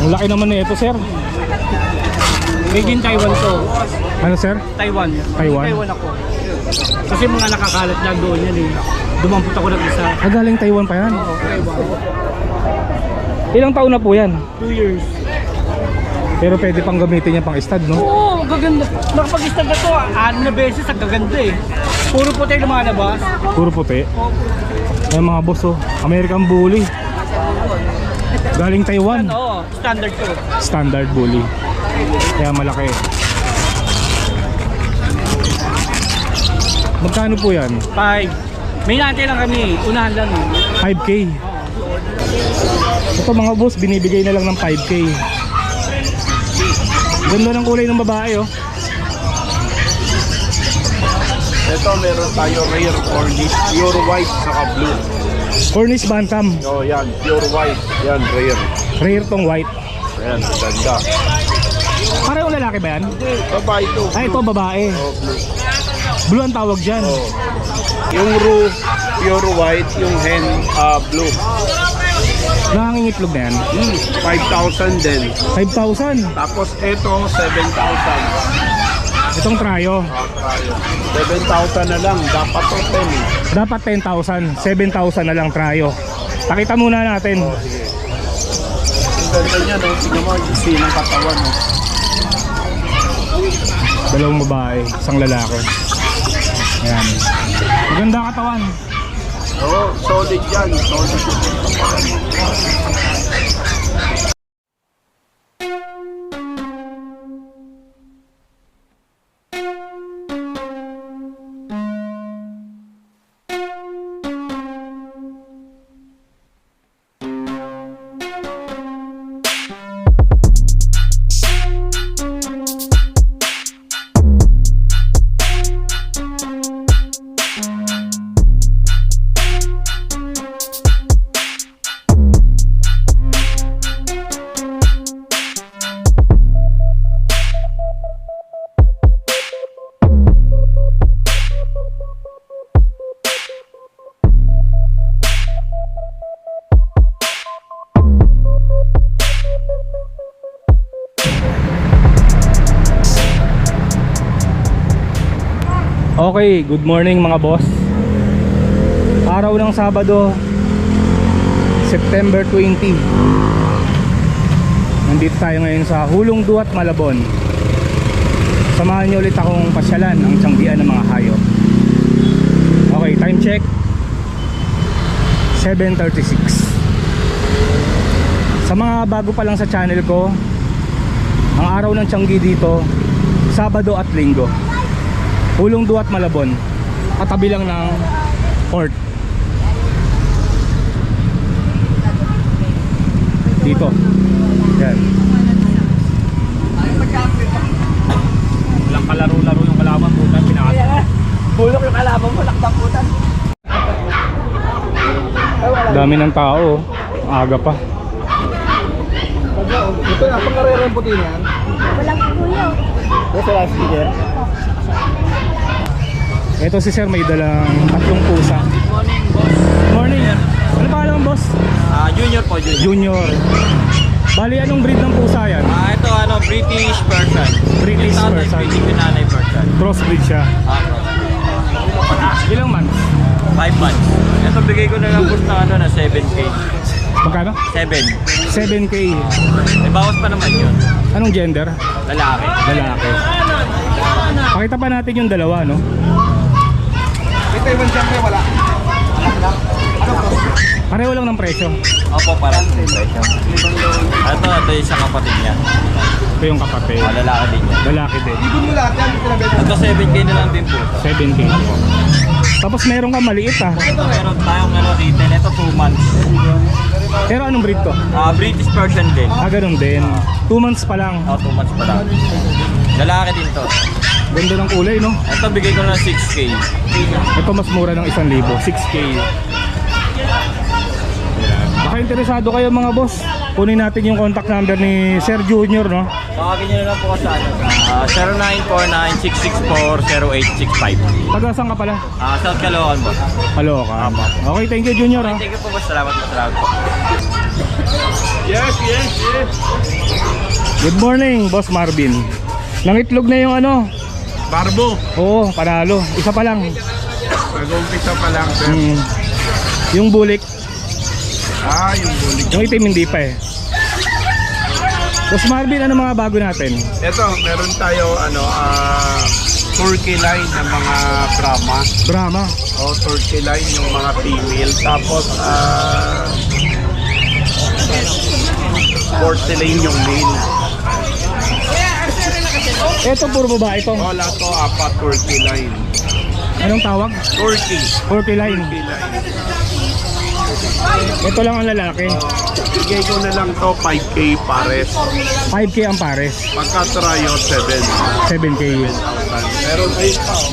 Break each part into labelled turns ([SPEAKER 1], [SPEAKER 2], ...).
[SPEAKER 1] Ang laki naman na ito, sir.
[SPEAKER 2] Made in Taiwan to.
[SPEAKER 1] Ano, sir?
[SPEAKER 2] Taiwan.
[SPEAKER 1] Taiwan?
[SPEAKER 2] Taiwan ako. Kasi mga nakakalat lang doon yan eh. Dumampot ako ng isa.
[SPEAKER 1] Galing Taiwan pa yan.
[SPEAKER 2] Oo, Taiwan.
[SPEAKER 1] Ilang taon na po yan?
[SPEAKER 2] 2 years.
[SPEAKER 1] Pero pwede pang gamitin niya pang stud, no?
[SPEAKER 2] Oo, gaganda. Nakapag-istag na to, 6 na beses, ang gaganda eh. Puro puti lumalabas.
[SPEAKER 1] Puro puti. Ay mga boss, oh. American Bully. Galing Taiwan.
[SPEAKER 2] Oo, standard to.
[SPEAKER 1] Standard Bully. Kaya malaki. Magkano po yan?
[SPEAKER 2] 5. May natin lang kami, unahan lang eh.
[SPEAKER 1] 5K. Ito mga boss, binibigay na lang ng 5K. Ganda ng kulay ng babae, oh.
[SPEAKER 3] Ito meron tayo rare Cornish, pure white saka blue.
[SPEAKER 1] Cornish Bantam.
[SPEAKER 3] Oh, yan, pure white. Yan, rare.
[SPEAKER 1] Rare tong white.
[SPEAKER 3] Ayan, ganda.
[SPEAKER 1] Parehong lalaki ba yan?
[SPEAKER 3] Babae ito.
[SPEAKER 1] Ay, ito babae.
[SPEAKER 3] Oh, blue.
[SPEAKER 1] Blue ang tawag dyan.
[SPEAKER 3] Oh. Yung roux, pure white. Yung hen, blue.
[SPEAKER 1] Nangangingitlog na yan.
[SPEAKER 3] 5,000 din.
[SPEAKER 1] 5,000.
[SPEAKER 3] Tapos ito, 7,000.
[SPEAKER 1] Itong tryo.
[SPEAKER 3] 7,000 na lang. Dapat to 10.
[SPEAKER 1] Dapat 10,000. 7,000 na lang tryo. Pakita muna natin.
[SPEAKER 3] Ang ganda niya, no? Tingnan mo, yung sinang katawan, no?
[SPEAKER 1] Dalawang babae, isang lalaki. Ayan. Maganda katawan.
[SPEAKER 3] Oo, solid yan. Solid.
[SPEAKER 1] Okay, good morning mga boss. Araw ng Sabado, September 20. Nandito tayo ngayon sa Hulong Duat, Malabon. Samahan niyo ulit akong pasyalan ang tiyanggian ng mga hayop. Okay, time check 7:36. Sa mga bago pa lang sa channel ko, ang araw ng tiyanggi dito, Sabado at Linggo. Hulong Duat, Malabon. Katabi lang ng port. Dito. Yan. Walang kalaro-laro yung kalaban, putan. Pinakasal.
[SPEAKER 2] Bulok yung kalaban mo, laktaputan.
[SPEAKER 1] Dami ng tao. Aga pa.
[SPEAKER 2] Ito na, pang-karera yung puti niyan.
[SPEAKER 4] Walang kuya.
[SPEAKER 2] Ito last speaker.
[SPEAKER 1] Ito si sir may dalang 3 pusa.
[SPEAKER 2] Good morning, boss.
[SPEAKER 1] Morning. Ano pangalan mo, boss?
[SPEAKER 2] Junior po, Junior.
[SPEAKER 1] Junior. Bali, anong breed ng pusa yan?
[SPEAKER 2] Ito British Persian.
[SPEAKER 1] British
[SPEAKER 2] Yung tatay,
[SPEAKER 1] Persian.
[SPEAKER 2] British yung nanay Persian.
[SPEAKER 1] Crossbreed siya.
[SPEAKER 2] Cross.
[SPEAKER 1] Ilang months?
[SPEAKER 2] 5 months. Ito bigay ko na lang po na 7K.
[SPEAKER 1] Magkano?
[SPEAKER 2] 7.
[SPEAKER 1] 7K.
[SPEAKER 2] May bawas pa naman yun.
[SPEAKER 1] Anong gender?
[SPEAKER 2] Lalaki.
[SPEAKER 1] Lalaki. Pakita pa natin yung dalawa, no?
[SPEAKER 3] Ito yung siyempre wala.
[SPEAKER 1] Pareho lang ng presyo.
[SPEAKER 2] Opo, parang presyo. Ito yung isang kapatid niya.
[SPEAKER 1] Ito yung kapatid.
[SPEAKER 2] Lalaki din niya.
[SPEAKER 1] Lalaki din.
[SPEAKER 2] Ito 7K na lang din po.
[SPEAKER 1] 7K. Tapos meron ka maliit, ah.
[SPEAKER 2] Ito meron tayong retail. Ito 2 months.
[SPEAKER 1] Pero anong breed to?
[SPEAKER 2] British Persian din.
[SPEAKER 1] Ganun din. 2 months pa lang.
[SPEAKER 2] 2 months pa lang. Lalaki din to.
[SPEAKER 1] Ganda ng kulay, no?
[SPEAKER 2] Ito bigay ko na 6K.
[SPEAKER 1] Ito mas mura ng 1,000. 6K. Baka interesado kayo mga boss, kunin natin yung contact number ni Sir Junior, no?
[SPEAKER 2] Tawagin nyo na lang po ko sa 0949-664-0865.
[SPEAKER 1] Taga saan ka pala?
[SPEAKER 2] South Caloocan po.
[SPEAKER 1] Hello ka. Okay, thank you Junior, ha?
[SPEAKER 2] Thank you po, boss. Salamat po.
[SPEAKER 3] Yes, yes, yes.
[SPEAKER 1] Good morning, Boss Marvin. Nangitlog na yung ano.
[SPEAKER 3] Barbo.
[SPEAKER 1] Oo, panalo. Isa pa lang.
[SPEAKER 3] Nag-umpisa pa lang, sir.
[SPEAKER 1] Yung bulik.
[SPEAKER 3] Yung bulik.
[SPEAKER 1] Yung itim hindi pa eh. Boss Marvin, ano mga bago natin?
[SPEAKER 3] Ito, meron tayo, turkey line ng mga Brahma.
[SPEAKER 1] Brahma.
[SPEAKER 3] Turkey line yung mga female. Tapos, porcelain yung male.
[SPEAKER 1] Ito puro babae ito.
[SPEAKER 3] Lahat to, 4 turkey line.
[SPEAKER 1] Anong tawag?
[SPEAKER 3] Turkey.
[SPEAKER 1] Turkey line.
[SPEAKER 3] Turkey line.
[SPEAKER 1] Ito lang ang lalaki.
[SPEAKER 3] Bigay ko na lang to 5K pares.
[SPEAKER 1] 5K ang pares.
[SPEAKER 3] Pagka tryo,
[SPEAKER 1] 7K.
[SPEAKER 3] Meron 8 pa.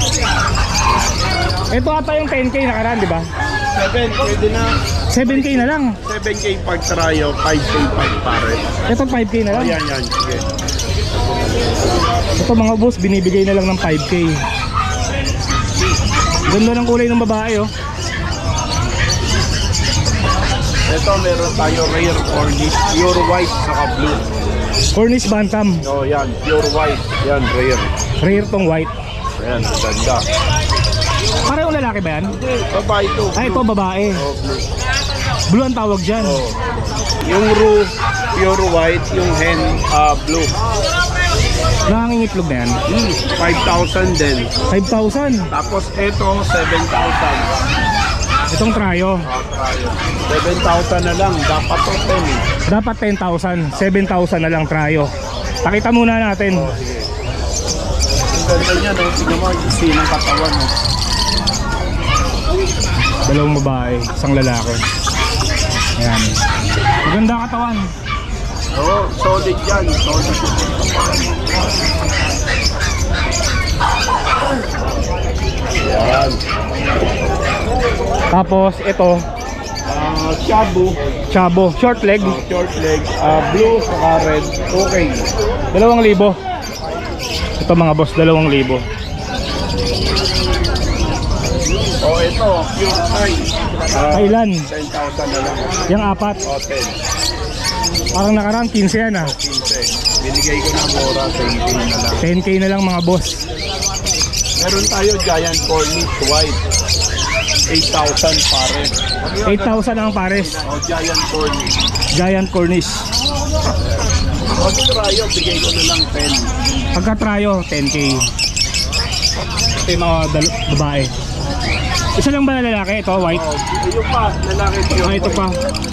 [SPEAKER 1] Ito ata yung 10K nakaraan, di ba?
[SPEAKER 3] 7, pwede na.
[SPEAKER 1] 7K na lang.
[SPEAKER 3] 7K pag tryo, 5K pag pares.
[SPEAKER 1] Ito 5K na lang.
[SPEAKER 3] Yan. Sige.
[SPEAKER 1] Ito mga boss, binibigay na lang ng 5K. Ganda ng kulay ng babae, oh.
[SPEAKER 3] Ito, meron tayo rare Cornish, pure white saka blue.
[SPEAKER 1] Cornish Bantam.
[SPEAKER 3] Yan, pure white. Yan, rare.
[SPEAKER 1] Rare tong white.
[SPEAKER 3] Yan, ganda.
[SPEAKER 1] Parehong lalaki ba yan?
[SPEAKER 3] Babae ito.
[SPEAKER 1] Ay, ito babae.
[SPEAKER 3] Blue.
[SPEAKER 1] Blue ang tawag dyan.
[SPEAKER 3] Yung roux, pure white. Yung hen, blue.
[SPEAKER 1] Nangangingitlog na yan.
[SPEAKER 3] 5,000 din.
[SPEAKER 1] 5,000.
[SPEAKER 3] Tapos ito, 7,000.
[SPEAKER 1] Itong tryo.
[SPEAKER 3] Tayo. 7,000 na lang. Dapat to 10.
[SPEAKER 1] Dapat 10,000. 7,000 na lang tryo. Pakita muna natin.
[SPEAKER 3] Ang ganda niya, no? Tingnan mo, isi ng katawan, no?
[SPEAKER 1] Dalawang babae, isang lalaki. Ayan. Maganda katawan.
[SPEAKER 3] Solid yan. Solid. Yan.
[SPEAKER 1] Tapos ito,
[SPEAKER 3] Shabu.
[SPEAKER 1] Chabo, short leg,
[SPEAKER 3] Short leg. Blue saka red. Okay.
[SPEAKER 1] 2,000. Ito mga boss, 2,000.
[SPEAKER 3] Ito. Pure Thai.
[SPEAKER 1] Kailan?
[SPEAKER 3] 10,000 na lang.
[SPEAKER 1] Yung apat.
[SPEAKER 3] 10.
[SPEAKER 1] Parang nakaraan 15 yan ah.
[SPEAKER 3] 15. Binigay ko na mura. 10K na lang.
[SPEAKER 1] 10K na lang mga boss.
[SPEAKER 3] Meron tayo giant Cornish white. 8,000 pare.
[SPEAKER 1] 8,000 ang pares.
[SPEAKER 3] Giant Cornish.
[SPEAKER 1] Giant Cornish.
[SPEAKER 3] Pag tryo, bigay ko na lang 10.
[SPEAKER 1] Pagka tryo, 10K. Ito yung mga babae. Isa lang ba na lalaki? Ito, white.
[SPEAKER 3] Yung pa, lalaki pure
[SPEAKER 1] Ah, ito
[SPEAKER 3] white.
[SPEAKER 1] pa.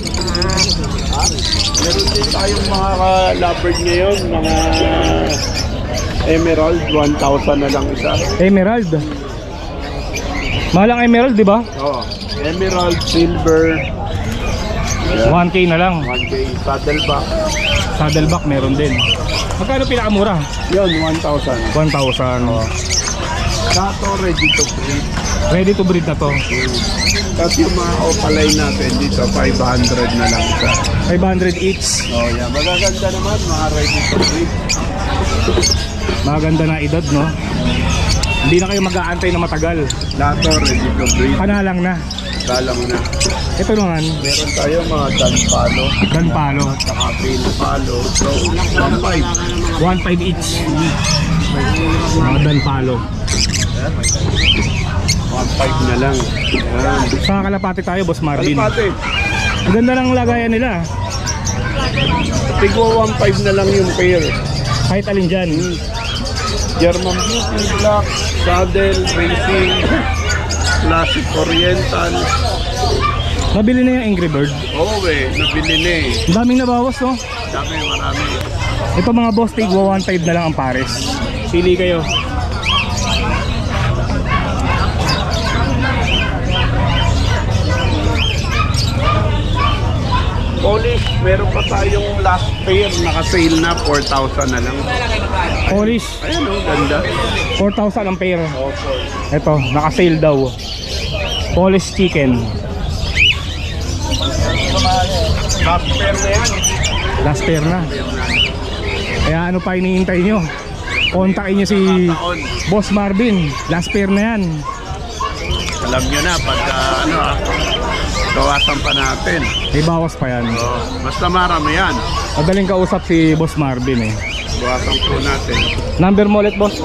[SPEAKER 3] Meron din tayong mga lovebird ngayon, mga emerald, 1,000 na lang isa.
[SPEAKER 1] Emerald. Mahal ang emerald, di ba?
[SPEAKER 3] Emerald, silver,
[SPEAKER 1] 1K na lang.
[SPEAKER 3] 1K, saddleback.
[SPEAKER 1] Saddleback meron din. Magkano pinakamura?
[SPEAKER 3] Yun, 1,000.
[SPEAKER 1] 1,000.
[SPEAKER 3] Dato, ready to breed.
[SPEAKER 1] Ready to breed na to.
[SPEAKER 3] Tapos yung mga opaline natin dito, 500 na lang isa.
[SPEAKER 1] 500 each.
[SPEAKER 3] Yan. Magaganda naman, mga ready to breed.
[SPEAKER 1] Maganda na edad, no? Hindi na kayo mag-aantay na matagal.
[SPEAKER 3] Dato, ready to breed.
[SPEAKER 1] Panalang na.
[SPEAKER 3] Dalang na.
[SPEAKER 1] Ito naman,
[SPEAKER 3] Meron tayo mga danpalo,
[SPEAKER 1] ganpalo.
[SPEAKER 3] saka pilpalo. So, 1,500.
[SPEAKER 1] 1.5 each. Mga danpalo.
[SPEAKER 3] 1,500 na lang. Yan.
[SPEAKER 1] Sa kalapati tayo, Boss Marvin.
[SPEAKER 3] Kalpate,
[SPEAKER 1] Ang ganda ng lagayan nila.
[SPEAKER 3] tigwa 1,500 na lang yung pair.
[SPEAKER 1] Kahit alin dyan.
[SPEAKER 3] German Beauty, Black, Saddle, Racing, Classic Oriental.
[SPEAKER 1] Nabili na yung Angry Bird.
[SPEAKER 3] Nabili na eh.
[SPEAKER 1] Ang daming nabawas, no?
[SPEAKER 3] Marami.
[SPEAKER 1] Ito mga boss, tigwa 1.5 na lang ang pares. Pili kayo.
[SPEAKER 3] Polish, meron pa tayong last pair, naka-sale na, 4,000 na lang.
[SPEAKER 1] Polish,
[SPEAKER 3] Ayan ganda.
[SPEAKER 1] 4,000 ang pair. Ito, naka-sale daw. Polish chicken.
[SPEAKER 3] Last pair na yan.
[SPEAKER 1] Last pair na. Kaya ano pa hinihintay nyo? Kontakin nyo si
[SPEAKER 3] Taon.
[SPEAKER 1] Boss Marvin. Last pair na yan.
[SPEAKER 3] Alam nyo na, pagka Bawasan pa natin.
[SPEAKER 1] May bawas pa yan.
[SPEAKER 3] Oh, basta marami yan.
[SPEAKER 1] Madaling kausap si Boss Marvin eh.
[SPEAKER 3] Bawasan po natin.
[SPEAKER 1] Number mo ulit, boss?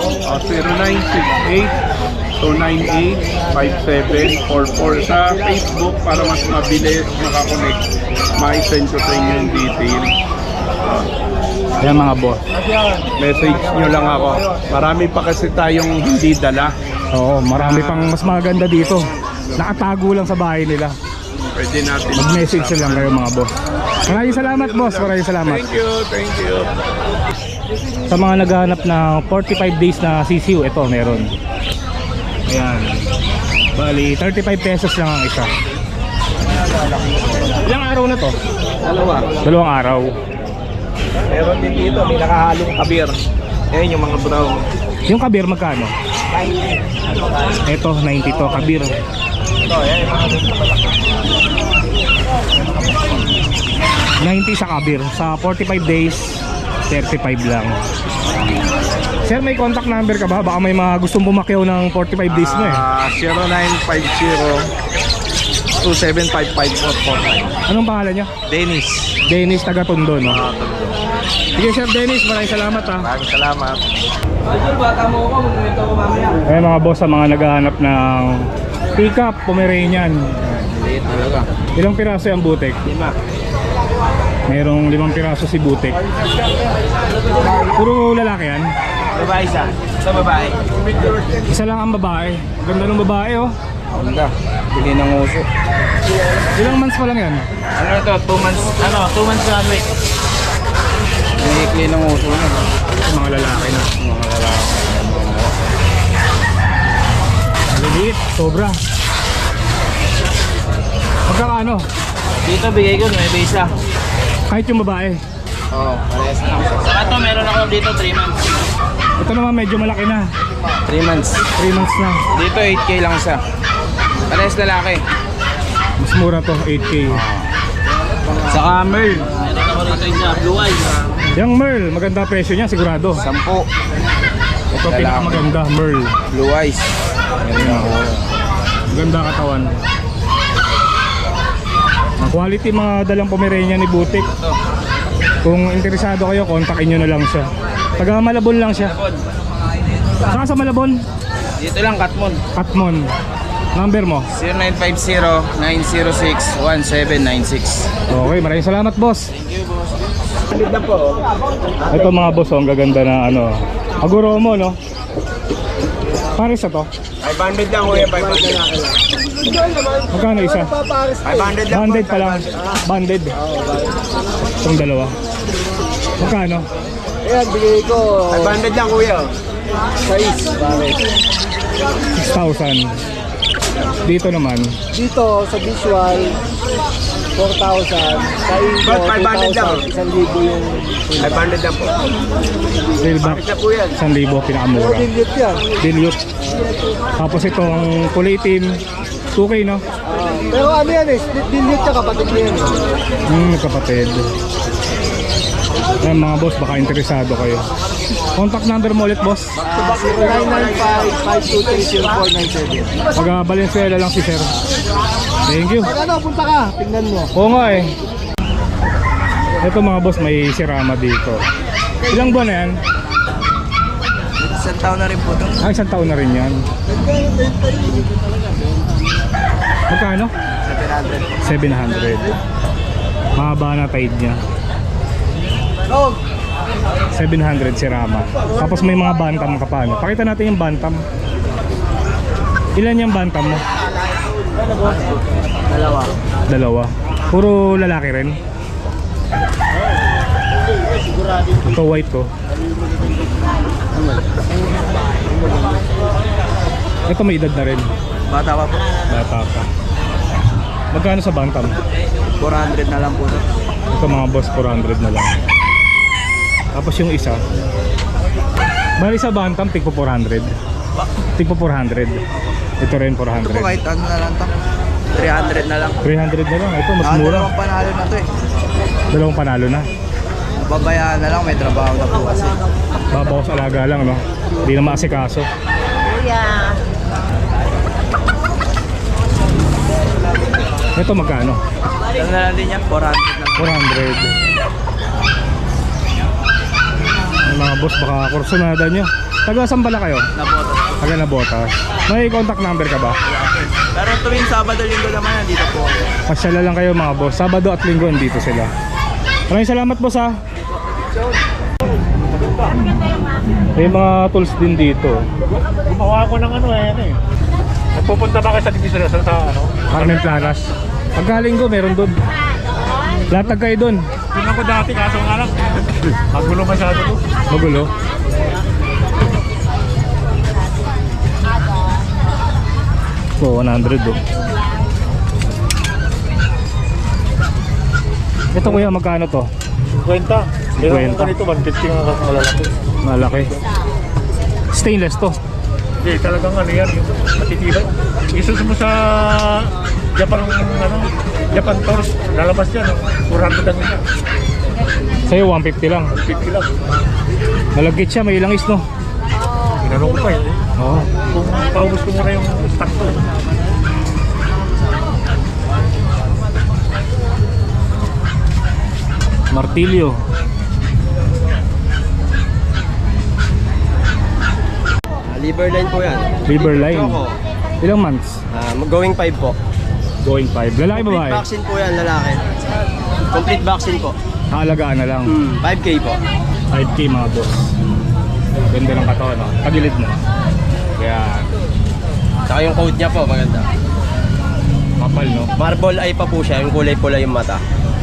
[SPEAKER 3] 0968-298-5744 sa Facebook para mas mabilis makakonect. Ma-send ko sa inyo yung detail.
[SPEAKER 1] Yan mga boss.
[SPEAKER 3] Message nyo lang ako. Marami pa kasi tayong hindi dala.
[SPEAKER 1] Oo, marami pang mas maganda dito. Nakatago lang sa bahay nila.
[SPEAKER 3] Pwede natin.
[SPEAKER 1] Mag-message na lang kayo mga boss. Maraming salamat, boss. Maraming salamat.
[SPEAKER 3] Thank you, thank you.
[SPEAKER 1] Sa mga naghahanap ng 45 days na CCU, ito meron. Ayan. Bali, 35 pesos lang ang isa. Ilang araw na to? Dalawang araw.
[SPEAKER 2] Meron din dito, may nakahalong kabir. Ayan yung mga brown.
[SPEAKER 1] Yung kabir magkano?
[SPEAKER 2] 90.
[SPEAKER 1] Ito, 90 to, kabir.
[SPEAKER 2] Ito, ayan yung mga dito malaki.
[SPEAKER 1] 90 sa kabir. Sa 45 days, 35 lang. Sir, may contact number ka ba? Baka may mga gustong bumakyaw ng 45 days mo eh.
[SPEAKER 3] 0950-2755-449.
[SPEAKER 1] Anong pangalan niya?
[SPEAKER 3] Dennis.
[SPEAKER 1] Dennis, taga Tondo, no? Sige, Sir Dennis, maraming salamat ha.
[SPEAKER 3] Maraming salamat.
[SPEAKER 2] Idol, bata mo ako, magkwento ko mamaya.
[SPEAKER 1] Eh mga boss, sa mga naghahanap ng pickup Pomeranian.
[SPEAKER 3] Liit talaga.
[SPEAKER 1] Ilang piraso yung butik?
[SPEAKER 2] 5.
[SPEAKER 1] Mayroong 5 piraso si butik. Puro lalaki yan?
[SPEAKER 2] Babae isa. Sa babae.
[SPEAKER 1] Isa lang ang babae. Ganda ng babae oh.
[SPEAKER 3] Ganda. Bili ng uso.
[SPEAKER 1] Ilang months pa lang yan?
[SPEAKER 2] Ano ito? 2 months, 2 months na week.
[SPEAKER 3] Bili ng uso na.
[SPEAKER 1] Mga lalaki na.
[SPEAKER 3] Mga lalaki.
[SPEAKER 1] Maliliit, sobra. Magkakaano?
[SPEAKER 2] Dito bigay ko, 9 isa.
[SPEAKER 1] Kahit yung babae.
[SPEAKER 3] Oo, parehas na.
[SPEAKER 2] Saka ito, meron ako dito 3 months.
[SPEAKER 1] Ito naman medyo malaki na.
[SPEAKER 3] 3 months.
[SPEAKER 1] 3 months na.
[SPEAKER 3] Dito 8K lang isa. Parehas lalaki.
[SPEAKER 1] Mas mura to, 8K.
[SPEAKER 3] Saka Merl.
[SPEAKER 2] Meron ako rito isa, blue eyes.
[SPEAKER 1] Yung Merl, maganda presyo niya sigurado.
[SPEAKER 3] 10.
[SPEAKER 1] Ito pinakamaganda, Merl.
[SPEAKER 3] Blue eyes.
[SPEAKER 1] Maganda katawan. Ang quality mga dalang Pomeranian ni Butik. Kung interesado kayo, kontakin nyo na lang siya. Taga Malabon lang siya. Saka sa Malabon?
[SPEAKER 3] Dito lang, Katmon.
[SPEAKER 1] Katmon. Number mo?
[SPEAKER 3] 0950-906-1796.
[SPEAKER 1] Okay, maraming salamat boss.
[SPEAKER 2] Ganda po.
[SPEAKER 1] Ito mga boss, oh, ang gaganda na ano. Aguro mo, no? Pares na to?
[SPEAKER 3] 500 lang, kuya. 500 lang.
[SPEAKER 1] Magkano isa?
[SPEAKER 3] 500 lang.
[SPEAKER 1] Banded pa lang. Banded. Itong dalawa. Magkano?
[SPEAKER 2] Ayan, bigay ko
[SPEAKER 3] 500 lang, kuya.
[SPEAKER 2] 6. Bakit?
[SPEAKER 1] 6,000. Dito naman.
[SPEAKER 2] Dito sa visual 4,000. Sa Ingo,
[SPEAKER 3] Ba't 500 lang?
[SPEAKER 2] 2,000. 1,000 yung
[SPEAKER 3] 500 lang po.
[SPEAKER 1] Railback.
[SPEAKER 3] Isa po yan.
[SPEAKER 1] 1,000 pinakamura.
[SPEAKER 2] dilute yan.
[SPEAKER 1] Dilute. Tapos itong kulay itim. 2K, no?
[SPEAKER 2] Pero ano yan eh, split dilute siya kapatid niya yan.
[SPEAKER 1] Kapatid. Ayan mga boss, baka interesado kayo. Contact number mo ulit boss.
[SPEAKER 2] 0995-523-0497.
[SPEAKER 1] Pag Valenzuela lang si sir. Thank you.
[SPEAKER 2] Pag ano, punta ka, tingnan mo.
[SPEAKER 1] Oo nga eh. Ito mga boss, may sirama dito. Ilang buwan na yan?
[SPEAKER 2] Isang taon na rin po ito.
[SPEAKER 1] Isang taon na rin yan. Magkano? 700. Mahaba na tide niya. 700 sirama. Tapos may mga bantam ka pa. Pakita natin yung bantam. Ilan yung bantam mo? Dalawa. Puro lalaki rin. Ito white ko. Ito may edad na rin.
[SPEAKER 2] Bata pa po.
[SPEAKER 1] Bata pa. Magkano sa bantam?
[SPEAKER 2] 400 na lang po.
[SPEAKER 1] Ito mga boss, 400 na lang. Tapos yung isa, bali sa bantam, tigpo 400. Tigpo 400. Ito rin 400.
[SPEAKER 2] Ito po kahit ano na lang to. 300 na lang.
[SPEAKER 1] 300 na lang. Ito mas mura.
[SPEAKER 2] Dalawang panalo na to eh.
[SPEAKER 1] Dalawang panalo na.
[SPEAKER 2] Babayaan na lang, may trabaho na po kasi.
[SPEAKER 1] Babawas alaga lang, no? Hindi na maasikaso.
[SPEAKER 4] Kuya.
[SPEAKER 1] Ito magkano?
[SPEAKER 2] Ano na lang din yan? 400 lang.
[SPEAKER 1] 400. Ay, mga boss, baka kursunada nyo. Taga saan pala kayo?
[SPEAKER 2] Nabotas po.
[SPEAKER 1] Taga Nabotas. May contact number ka ba?
[SPEAKER 2] Pero tuwing Sabado, Linggo naman, nandito po.
[SPEAKER 1] Pasyala lang kayo mga boss. Sabado at Linggo dito sila. Maraming salamat boss ha. May mga tools din dito.
[SPEAKER 4] Gumawa ko ng ano eh. Nagpupunta ba kayo sa division sa ano?
[SPEAKER 1] Carmen Planas. Pagka Linggo meron doon. Latag kayo doon.
[SPEAKER 4] Yun ako dati kaso nga lang. Magulo masyado to.
[SPEAKER 1] Magulo. So 100 oh. Ito kuya magkano to?
[SPEAKER 4] 50. Meron
[SPEAKER 1] 50.
[SPEAKER 4] ko ganito 150 nga malalaki.
[SPEAKER 1] Malaki. Stainless to.
[SPEAKER 4] Hindi talagang ano yan. Yung matitibay. Isus mo sa Japan Tours. Lalabas yan. 400 ang isa.
[SPEAKER 1] Sa'yo 150 lang.
[SPEAKER 4] 50 lang.
[SPEAKER 1] Malagkit siya, may langis no.
[SPEAKER 4] Inanong ko pa eh.
[SPEAKER 1] Oo.
[SPEAKER 4] Kung paubos ko muna yung stock ko.
[SPEAKER 1] Martilyo.
[SPEAKER 5] Liver line po yan.
[SPEAKER 1] River line.
[SPEAKER 5] Choco.
[SPEAKER 1] Ilang months?
[SPEAKER 5] Going 5 po.
[SPEAKER 1] Going 5. Lalaki
[SPEAKER 5] Complete
[SPEAKER 1] babae?
[SPEAKER 5] vaccine po yan, lalaki. Complete vaccine po.
[SPEAKER 1] Kaalagaan na lang.
[SPEAKER 5] 5K po.
[SPEAKER 1] 5K mga boss. Ganda ng katawan no? Tagilid mo. Kaya
[SPEAKER 5] Saka yung coat niya po, maganda.
[SPEAKER 1] kapal no?
[SPEAKER 5] Marble eye pa po siya, yung kulay pula yung mata.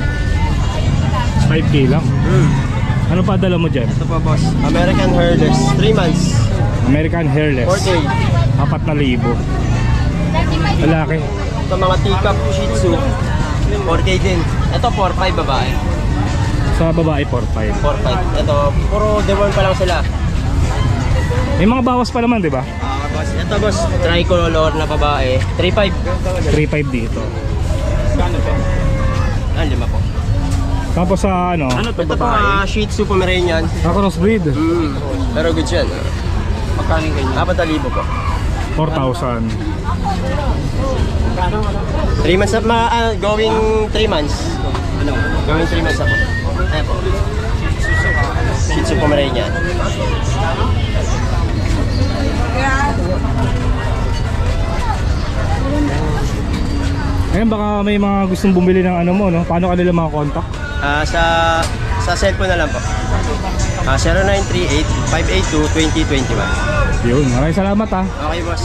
[SPEAKER 1] 5K lang. Ano pa dala mo dyan?
[SPEAKER 5] Ito po boss. American Hairless, 3 months.
[SPEAKER 1] American Hairless.
[SPEAKER 5] 4K.
[SPEAKER 1] 4,000. Lalaki.
[SPEAKER 5] Ito mga teacup Shih Tzu, 4K din. Ito 4-5 babae.
[SPEAKER 1] Sa babae 4,500.
[SPEAKER 5] 4-5. Ito, puro deworm pa lang sila.
[SPEAKER 1] May mga bawas pa naman, di ba?
[SPEAKER 5] Boss, ito boss, tricolor na babae, 3-5.
[SPEAKER 1] 3,500 dito.
[SPEAKER 5] Ah, 5 po.
[SPEAKER 1] Tapos sa ano?
[SPEAKER 4] Ano to
[SPEAKER 5] Ito po Shih Tzu Pomeranian.
[SPEAKER 1] Crossbreed.
[SPEAKER 5] Pero good yan.
[SPEAKER 2] Magkano yung ganyan?
[SPEAKER 5] 4,000 po.
[SPEAKER 1] 4,000.
[SPEAKER 5] 3 months na, going 3 months. Ano? Going 3 months na po. Ayan po. Shih Tzu Pomeranian.
[SPEAKER 1] Ayun, baka may mga gustong bumili ng ano mo, no? Paano kanila mga contact?
[SPEAKER 5] Sa cellphone na lang po. 0938-582-2021.
[SPEAKER 1] Yun, maraming salamat ha.
[SPEAKER 5] Okay boss.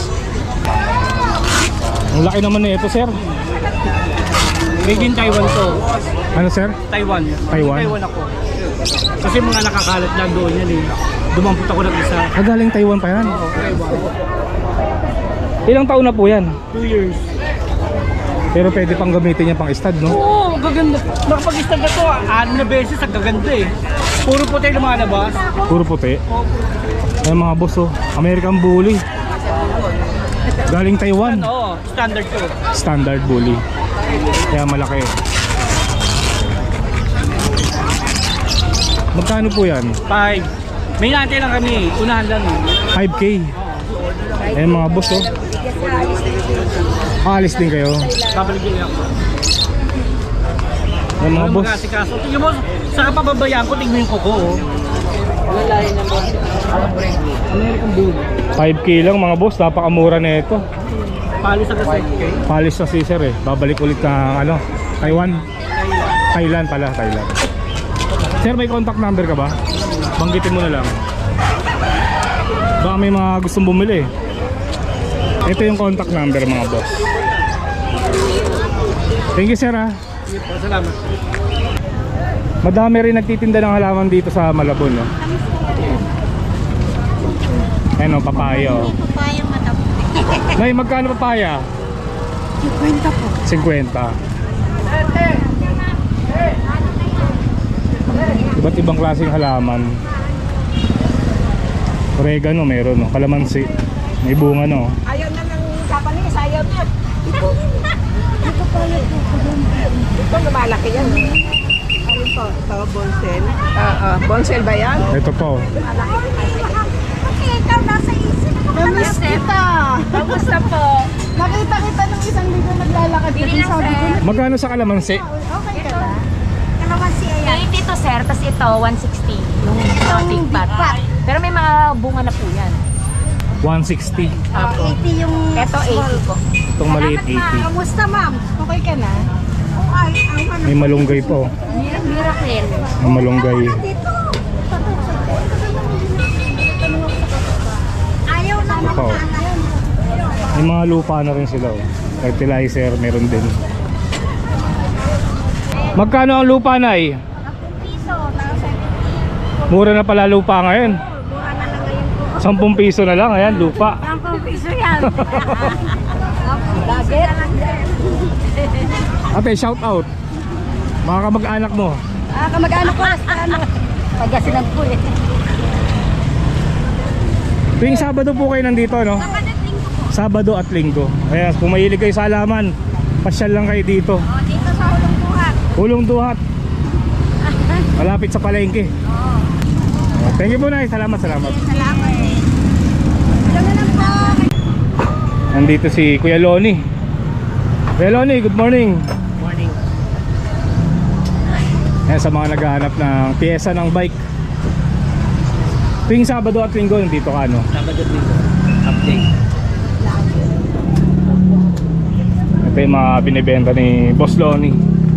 [SPEAKER 1] Ang laki naman na ito, sir.
[SPEAKER 2] Made in Taiwan to.
[SPEAKER 1] Ano, sir?
[SPEAKER 2] Taiwan.
[SPEAKER 1] Taiwan?
[SPEAKER 2] Taiwan ako. Kasi mga nakakalat lang doon yan eh. Dumampot ako ng isa.
[SPEAKER 1] Galing Taiwan pa yan.
[SPEAKER 2] Taiwan.
[SPEAKER 1] Ilang taon na po yan?
[SPEAKER 2] 2 years.
[SPEAKER 1] Pero pwede pang gamitin niya pang stud, no?
[SPEAKER 2] Oo, gaganda. Nakapag-stand na to, 6 na beses, ang gaganda eh. Puro puti lumalabas.
[SPEAKER 1] Puro puti. Ayun mga boss, oh. American Bully. Galing Taiwan.
[SPEAKER 2] Oo, standard to.
[SPEAKER 1] Standard Bully. Kaya malaki. Magkano po yan?
[SPEAKER 2] 5. May natin lang kami, unahan lang eh.
[SPEAKER 1] 5K. Ayun mga boss, oh. Alis din kayo.
[SPEAKER 2] Babalik ako.
[SPEAKER 1] Ayun mga boss.
[SPEAKER 2] Mag-asikaso. Tingnan mo, sa kapababayaan ko, tingnan yung kuko oh. Lalaki na mo. American Bull.
[SPEAKER 1] 5K lang mga boss. Napakamura na ito.
[SPEAKER 2] Palis sa set.
[SPEAKER 1] Palis na si sir eh. Babalik ulit ng ano, Taiwan. Thailand pala, Thailand. Sir, may contact number ka ba? Banggitin mo na lang. Baka may mga gustong bumili. Ito yung contact number mga boss. Thank you sir ha.
[SPEAKER 2] Salamat.
[SPEAKER 1] Madami rin nagtitinda ng halaman dito sa Malabon, no? Ano, papaya oh.
[SPEAKER 6] Papayang mataputi.
[SPEAKER 1] Nay, magkano papaya?
[SPEAKER 6] 50 po.
[SPEAKER 1] 50. Iba't ibang klaseng halaman. Oregano meron, no? Kalamansi. May bunga, no?
[SPEAKER 6] Ayaw na ng Japanese, ayaw na. Ito pala ito. Ito lumalaki yan. Ano to? Ito, bonsel. Bonsel ba yan?
[SPEAKER 1] Ito po.
[SPEAKER 6] Malaki. Kasi ikaw nasa isip ko. Namiss kita.
[SPEAKER 7] Kamusta po?
[SPEAKER 6] Nakita kita nung isang linggo naglalakad ka.
[SPEAKER 7] Bilang
[SPEAKER 6] Sabi ko,
[SPEAKER 7] sir.
[SPEAKER 1] Magkano sa kalamansi?
[SPEAKER 6] okay ka na? Kalamansi ayan.
[SPEAKER 7] 80 to sir, tas ito 160. Yung big pot. Pero may mga bunga na po yan.
[SPEAKER 1] 160.
[SPEAKER 6] 80 yung
[SPEAKER 7] Ito 80 po.
[SPEAKER 1] Itong maliit 80.
[SPEAKER 6] Kamusta ma'am? Okay ka na? Okay.
[SPEAKER 1] May malunggay po.
[SPEAKER 7] Miracle.
[SPEAKER 1] May malunggay.
[SPEAKER 6] Dito. Ayaw na
[SPEAKER 1] Po. May mga lupa na rin sila. Oh. Fertilizer, meron din. Magkano ang lupa, Nay?
[SPEAKER 6] piso.
[SPEAKER 1] Mura na pala lupa ngayon.
[SPEAKER 6] Mura na lang ngayon
[SPEAKER 1] 10
[SPEAKER 6] po.
[SPEAKER 1] piso na lang. Ayan, lupa.
[SPEAKER 6] 10 piso yan. Lagi.
[SPEAKER 1] Ate, shout out. Mga kamag-anak mo.
[SPEAKER 6] Kamag-anak ko. Ano? Pagkasinan po eh.
[SPEAKER 1] Tuwing Sabado po kayo nandito, no? Sabado at Linggo. Kaya kung mahilig kayo sa halaman, pasyal lang kayo dito.
[SPEAKER 6] Dito sa Hulong Buhat.
[SPEAKER 1] Hulong Duhat. Malapit sa palengke. Thank you po, Nay. Salamat.
[SPEAKER 6] Salamat. Ito na lang po.
[SPEAKER 1] Nandito si Kuya Loni. Kuya Loni, good morning.
[SPEAKER 2] Morning.
[SPEAKER 1] Ayan, sa mga naghahanap ng piyesa ng bike. Tuwing Sabado at Linggo, nandito ka, no?
[SPEAKER 2] Sabado dito. Update.
[SPEAKER 1] Ito yung mga binibenta ni Boss Loni.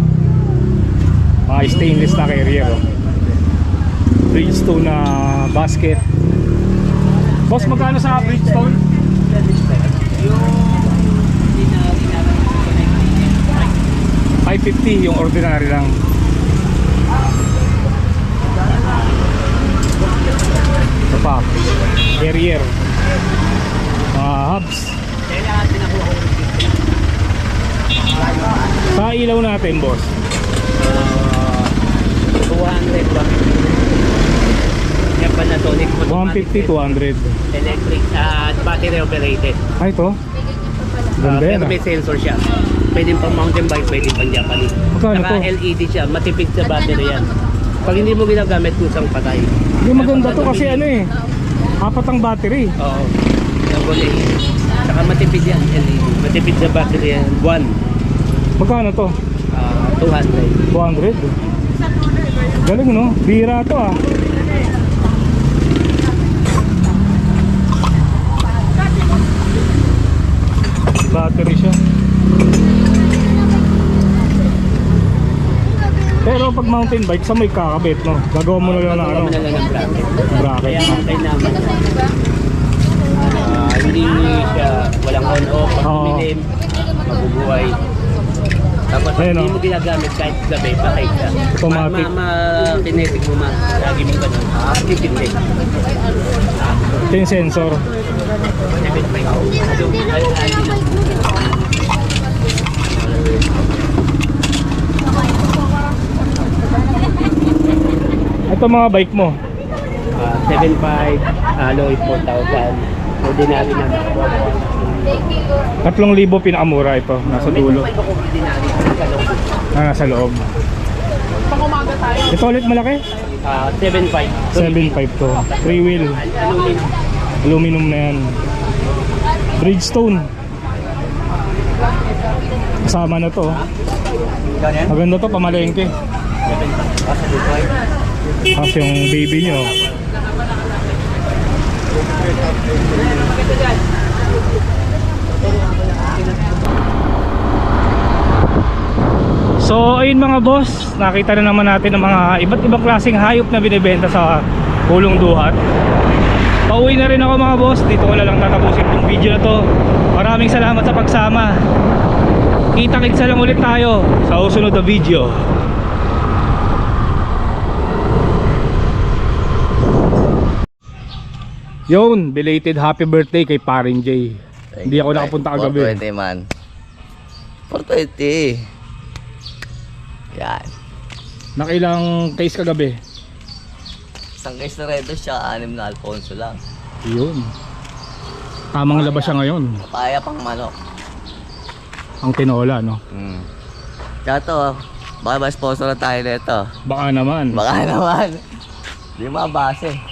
[SPEAKER 1] Mga stainless na carrier, oh. Bridgestone na basket. Boss, magkano sa Bridgestone?
[SPEAKER 2] Yung ordinary na
[SPEAKER 1] 550 yung ordinary lang. Ito pa, carrier, mga hubs.
[SPEAKER 2] kailangan pinakuha ko ng
[SPEAKER 1] Sa ilaw natin, boss,
[SPEAKER 2] 200 ba? Yan Panasonic
[SPEAKER 1] 150, 200.
[SPEAKER 2] electric at battery operated.
[SPEAKER 1] Ay, ito ganda yan,
[SPEAKER 2] Pero
[SPEAKER 1] ah.
[SPEAKER 2] may sensor siya. Pwede pang mountain bike, pwede pang Japanese.
[SPEAKER 1] Magkano
[SPEAKER 2] Saka
[SPEAKER 1] to?
[SPEAKER 2] LED siya, matipid sa battery yan. Pag hindi mo ginagamit, kusang patay.
[SPEAKER 1] Hindi, maganda to kasi ano eh, 4 ang battery.
[SPEAKER 2] Oo. Double A. Saka matipid yan, LED. Matipid sa battery yan. 1.
[SPEAKER 1] Magkano to?
[SPEAKER 2] 200.
[SPEAKER 1] 200. Galing, no? Bira to, ah. Battery siya. Pero pag mountain bike, sa may kakabit, no? Gagawa mo na lang ng ano,
[SPEAKER 2] Gagawa mo na lang ng bracket.
[SPEAKER 1] bracket.
[SPEAKER 2] Kaya ang kailangan hindi siya walang on-off, pag
[SPEAKER 1] Oo.
[SPEAKER 2] umilim, mabubuhay. Tapos pag
[SPEAKER 1] Ayun,
[SPEAKER 2] hindi
[SPEAKER 1] oh.
[SPEAKER 2] mo ginagamit kahit gabi, patay siya.
[SPEAKER 1] Automatic.
[SPEAKER 2] Kinetic mo man, lagi mo ganun. Titindi.
[SPEAKER 1] Ito yung sensor. Ito mga bike mo.
[SPEAKER 2] 7.5, alloy 4,000. Ordinary na nakuha.
[SPEAKER 1] 3,000 pinakamura ito. Nasa dulo.
[SPEAKER 2] Ordinary sa loob.
[SPEAKER 1] Nasa loob. Ito ulit malaki?
[SPEAKER 2] 7.5.
[SPEAKER 1] 7.5 to. 3 wheel.
[SPEAKER 2] Aluminum.
[SPEAKER 1] Aluminum na yan. Bridgestone. Kasama na to. Maganda to, pamalengke. Tapos yung baby nyo. So ayun mga boss, nakita na naman natin ang mga iba't ibang klaseng hayop na binibenta sa Hulong Duhat. Pauwi na rin ako mga boss, dito ko na lang tatapusin itong video na to. Maraming salamat sa pagsama. Kita-kitsa lang ulit tayo sa susunod na video. Yun, belated happy birthday kay Parin J. Hindi ako nakapunta kagabi.
[SPEAKER 8] 420 man. 420. Yan.
[SPEAKER 1] Nakilang case kagabi.
[SPEAKER 8] Isang case na Red Horse siya, 6 na Alfonso lang.
[SPEAKER 1] Yun. Tamang labas siya ngayon.
[SPEAKER 8] Papaya pang manok.
[SPEAKER 1] Ang tinola, no?
[SPEAKER 8] Kaya to, baka ba sponsor na tayo nito?
[SPEAKER 1] Baka naman.
[SPEAKER 8] Baka naman. Di mabase.